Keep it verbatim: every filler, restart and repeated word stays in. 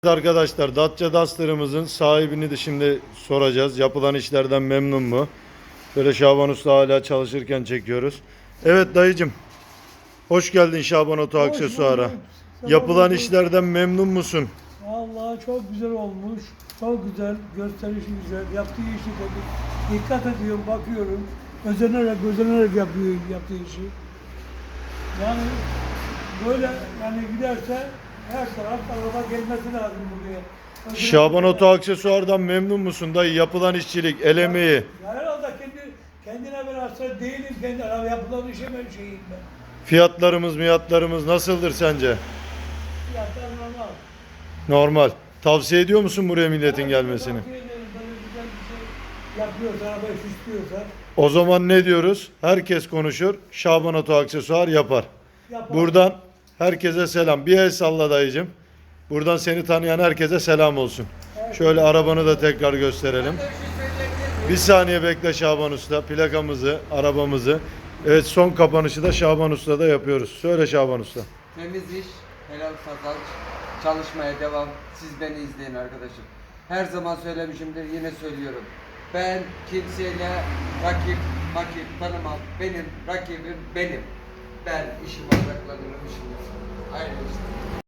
Arkadaşlar, Dacia Duster'ımızın sahibini de şimdi soracağız. Yapılan işlerden memnun mu? Böyle Şaban Usta hala çalışırken çekiyoruz. Evet dayıcım, hoş geldin Şaban Oto Hoş Aksesuar'a. bulduk. Yapılan Sabah işlerden memnun musun? Vallahi çok güzel olmuş. Çok güzel. Gösterişi güzel. Yaptığı işi de dikkat ediyorum, bakıyorum. Özenerek, özenerek yapıyor yaptığı işi. Yani böyle yani giderse her taraf araba gelmesi lazım buraya. Özenerek- Şaban Oto Aksesuar'dan memnun musun dayı? Yapılan işçilik, el emeği. Ya herhalde kendi, kendine ben hasta değilim. Kendi araba yapılan işe ben şeyim ben. Fiyatlarımız, miyatlarımız nasıldır sence? Fiyatlar normal. Normal. Tavsiye ediyor musun buraya milletin gelmesini? Tavsiye ederim. Böyle güzel bir şey yapıyorsa, arabayı süslüyorsa O zaman ne diyoruz? Herkes konuşur, Şaban Oto Aksesuar yapar. yapar. Buradan herkese selam. Bir el salla dayıcım. Buradan seni tanıyan herkese selam olsun. Şöyle arabanı da tekrar gösterelim. Bir saniye bekle Şaban Usta. Plakamızı, arabamızı. Evet, son kapanışı da Şaban Usta'da yapıyoruz. Söyle Şaban Usta. Temiz iş, helal kazanç, çalışmaya devam. Siz beni izleyin arkadaşım. Her zaman söylemişimdir, yine söylüyorum. Ben kimseyle rakip, rakip tanımam. Benim rakibim benim. Ben işime odaklanırım, işime. Aynı işte.